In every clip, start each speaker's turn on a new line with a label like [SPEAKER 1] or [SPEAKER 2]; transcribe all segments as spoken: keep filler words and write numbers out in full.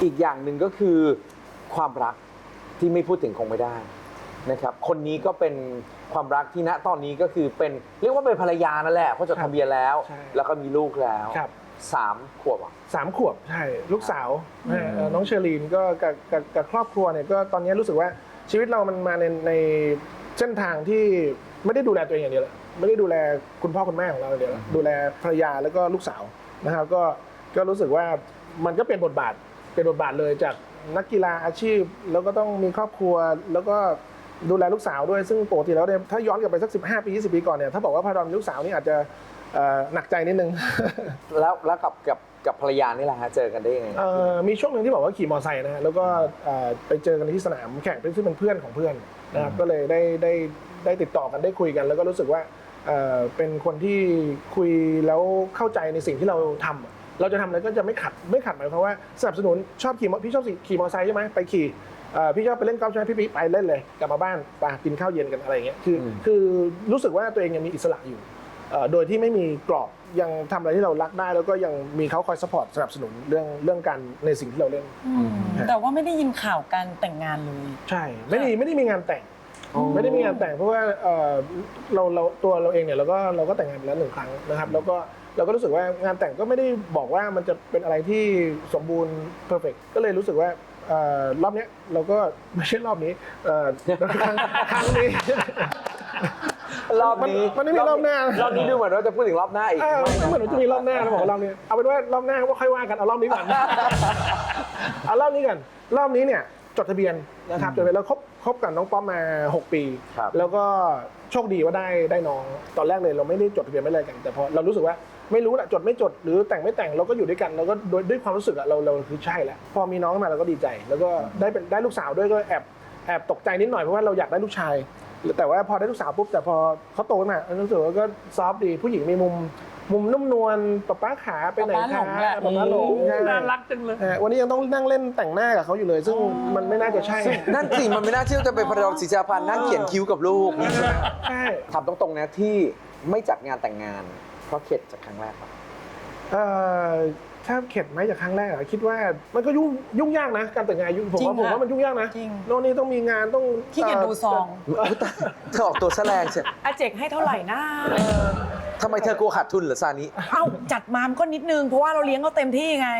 [SPEAKER 1] อีกอย่างหนึ่งก็คือความรักที่ไม่พูดถึงคงไม่ได้นะครับคนนี้ก็เป็นความรักที่ณตอนนี้ก็คือเป็นเรียกว่าเป็นภรรยานั่นแหละเพราะจดทะเบียนแล้วแล้วก็มีลูกแล้วสามขวบอ่ะ
[SPEAKER 2] สามขวบใช่ลูกสาวน้องเชอรีนก็กับกับกับครอบครัวเนี่ยก็ตอนนี้รู้สึกว่าชีวิตเรามันมาในในเส้นทางที่ไม่ได้ดูแลตัวเองอย่างเดียวไม่ได้ดูแลคุณพ่อคุณแม่ของเราอย่างเดียวดูแลภรรยาแล้วก็ลูกสาวนะครับก็ก็รู้สึกว่ามันก็เป็นบทบาทเป็นบทบาทเลยจากนักกีฬาอาชีพแล้วก็ต้องมีครอบครัวแล้วก็ดูแลลูกสาวด้วยซึ่งปกติแล้วเนี่ยถ้าย้อนกลับไปสักสิบห้าปียี่สิบปีก่อนเนี่ยถ้าบอกว่าพาดอนมีลูกสาวนี่อาจจะหนักใจนิดนึง
[SPEAKER 1] แล้วแล้วกับกับกับภรรยานี่แหละฮะเจอกันได้ยังไง
[SPEAKER 2] มีช่วงหนึ่งที่บอกว่าขี่มอเตอร์ไซค์นะฮะแล้วก็ไปเจอกันที่สนามแข่งซึ่งเป็นเพื่อนของเพื่อนนะครับก็เลยได้ได้ได้ติดต่อกันได้คุยกันแล้วก็รู้สึกว่าเป็นคนที่คุยแล้วเข้าใจในสิ่งที่เราทำเราจะทำอะไรก็จะไม่ขัดไม่ขัดหมายความว่าสนับสนุนชอบขี่พี่ชอบขี่มอเตอร์ไซค์ใช่ไหมไปขี่พี่ชอบไปเล่นกอล์ฟใช่ไหมพี่ไปเล่นเลยกลับมาบ้านไปกินข้าวเย็นกันอะไรอย่างเงี้ยคือคือรู้สึกว่าตัวเองยังมีอิสระอยู่โดยที่ไม่มีกรอบยังทำอะไรที่เรารักได้แล้วก็ยังมีเขาคอยซัพพอร์ตสนับสนุนเรื่องเรื่องการในสิ่งที่เราเล่น
[SPEAKER 3] แต่ว่าไม่ได้ยินข่าวการแต่งงานเลย
[SPEAKER 2] ใช่ไม่ได้ไม่ได้มีงานแต่งไม่ได้มีงานแต่งเพราะว่าเราเราตัวเราเองเนี่ยเราก็เราก็แต่งงานไปแล้วหนึ่งครั้งนะครับแล้วก็เราก็รู้สึกว่างานแต่งก็ไม่ได้บอกว่ามันจะเป็นอะไรที่สมบูรณ์เพอร์เฟกต์ก็เลยรู้สึกว่ารอบนี้เราก็ไม่ใช่รอบนี้ครั้งครั้งนี้
[SPEAKER 1] รอบนี้
[SPEAKER 2] มันไม่มีรอบหน้าร
[SPEAKER 1] อบนี้ดูเหมือนว่าจะพูดถึงรอบหน้าอีก
[SPEAKER 2] ไม่เหมือนว่าจะมีรอบหน้าเราบอกรอบนี้เอาเป็นว่ารอบหน้าว่าค่อยว่ากันเอารอบนี้ก่อนเอารอบนี้ก่อนรอบนี้เนี่ยจดทะเบียนนะครับจดทะเบียนแล้วคบคบกับน้องป๊อปมาหกปีแล้วก็โชคดีว่าได้ได้น้องตอนแรกเลยเราไม่ได้จดทะเบียนไม่อะไรกันแต่พอเรารู้สึกว่าไม่รู้แหละจดไม่จดหรือแต่งไม่แต่งเราก็อยู่ด้วยกันเราก็โดยด้วยความรู้สึกอะเราเราคือใช่แหละพอมีน้องมาเราก็ดีใจแล้วก็ได้เป็นได้ลูกสาวด้วยก็แอบแอบตกใจนิดหน่อยเพราะว่าเราอยากได้ลูกชายแต่ว่าพอได้ลูกสาวปุ๊บแต่พอเขาโตขึ้นมารู้สึกว่าก็ซอฟต์ดีผู้หญิงมีมุมมุมนุ่มนวลป๊าป๊าขาไปไหนคะป๊าป๊าหลง
[SPEAKER 3] น่ารักจังเลย
[SPEAKER 2] วันนี้ยังต้องนั่งเล่นแต่งหน้ากับเขาอยู่เลยซึ่งมันไม่น่าจะใช่
[SPEAKER 1] นั่นสิมันไม่น่าเชื่อจะเป็นพระรองศรีชาพันธ์นั่งเขียนคิ้วกับลูก
[SPEAKER 2] ใช่
[SPEAKER 1] ถามตรงๆนะที่ไม่จัดงานแต่งงานเพราะเข็ดจากครั้งแรกป่ะ
[SPEAKER 2] ถ้าเข็ดไหมจากครั้งแรกคิดว่ามันก็ยุ่งยุ่งยากนะการแต่งงานยุ่งผมว่าผมว่ามันยุ่งยากนะโน่นนี่ต้องมีงานต้อง
[SPEAKER 3] ขี้เกียจดูซอง
[SPEAKER 1] เธอออกตัวแสลงใช่
[SPEAKER 3] อาเจกให้เท่าไหร่นะ
[SPEAKER 1] ทำไมเธอกลัวขาดทุนเหรอซานิ
[SPEAKER 3] เอ้าจัดมามก็นิดนึงเพราะว่าเราเลี้ยงเขาเต็มที่ไง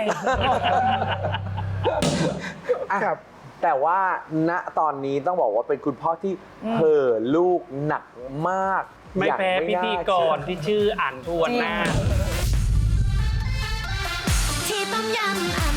[SPEAKER 1] ครับแต่ว่าณตอนนี้ต้องบอกว่าเป็นคุณพ่อที่เห่อลูกหนักมาก
[SPEAKER 4] ไม่แพ้พิธีกรที่ชื่ออ่านทวนหน้า
[SPEAKER 5] ที่ต้มยำ